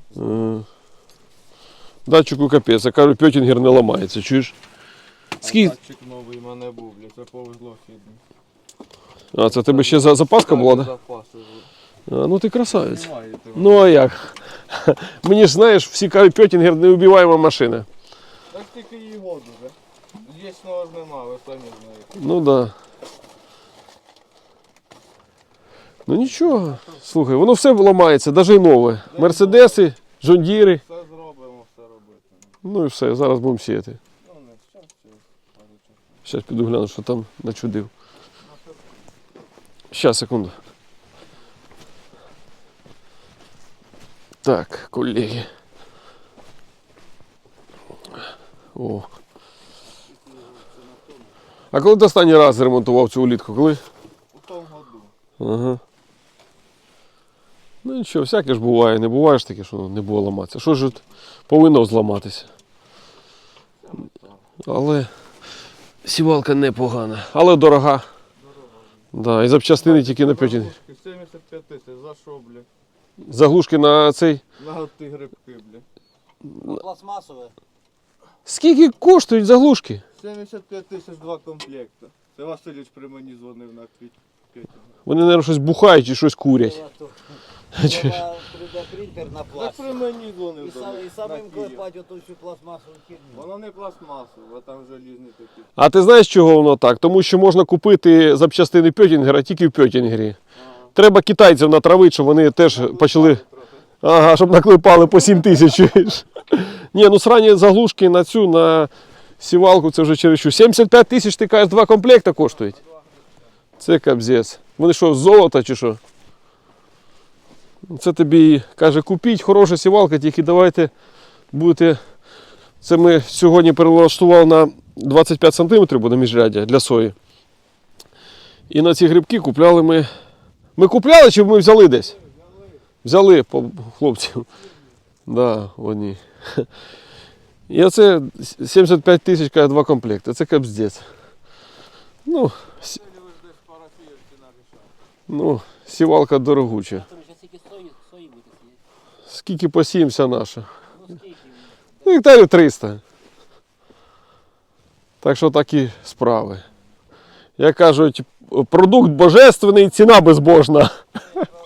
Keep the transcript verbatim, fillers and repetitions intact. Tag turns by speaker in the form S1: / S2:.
S1: Ага. Датчику капець, я кажу, Пьотінгер не ламається, чуєш?
S2: Скільки? Датчик новий в мене був, блядь, це повезло фідно.
S1: А, це тебе ще за запаска була, так?
S2: Запаси.
S1: А, ну ти красавець.
S2: Немає того.
S1: Ну а як? Мені ж, знаєш, всі кажуть, Пьотінгер неубиваема машина.
S2: Так тільки її году вже. Вічного ж нема, ви самі знаєте.
S1: Ну да. Ну нічого. Слухай, воно все ламається, навіть і нове. Мерседеси, Джондіри.
S2: Все зробимо, все робити.
S1: Ну і все, зараз будемо сіяти.
S2: Ну не щас, через пару часов.
S1: Зараз піду гляну, що там начудив. Щас, секунду. Так, колеги. О. А коли ти останній раз ремонтував цю улітку? Коли?
S2: У тому году.
S1: Ага. Ну нічого, всяке ж буває, не буває ж таке, що не було ламатися. Що ж от повинно зламатися? Але сівалка непогана, але дорога. Да, і запчастини тільки на Пьотінгер.
S2: сімдесят п'ять тисяч, за що, блядь?
S1: Заглушки на цей.
S2: На ті грибки, блядь.
S3: Пластмасове.
S1: Скільки коштують заглушки?
S2: сімдесят п'ять тисяч два комплекти. Це Васильович при мені дзвонив на квітні.
S1: Вони, мабуть, щось бухають чи щось курять.
S3: Треба три дэ принтер на
S2: Так
S3: пласт.
S2: при мені дзвонив
S3: І,
S2: до
S3: сам,
S2: них,
S3: і самим
S2: на Київ.
S3: клепати оту всю пластмасову херню.
S2: Воно не пластмасове, а там желізні такі.
S1: А ти знаєш, чого воно так? Тому що можна купити запчастини Пьотінгера тільки в Пьотінгері. Треба китайців натравити, щоб вони теж почали. Ага, щоб наклепали по сім тисяч. чуєш? Ні, ну срані заглушки на цю, на сівалку, це вже чересчур. сімдесят п'ять тисяч, ти кажеш, два комплекти коштують. Це капзець. Вони що, з золота чи що? Це тобі, каже, купіть, хороша сівалка, тільки давайте будете... Це ми сьогодні перелаштували на двадцять п'ять сантиметрів, буде міжряддя для сої. І на ці грибки купляли ми... Ми купляли чи ми взяли десь? Взяли по хлопців. Да, одні. І оце сімдесят п'ять тисяч, каже, два комплекти. Це капздець. Ну, с... ну, сівалка дорогуча. Скільки посіємося наша? Ну, гектарів триста. Так що такі справи. Як кажуть, продукт божественний, ціна безбожна.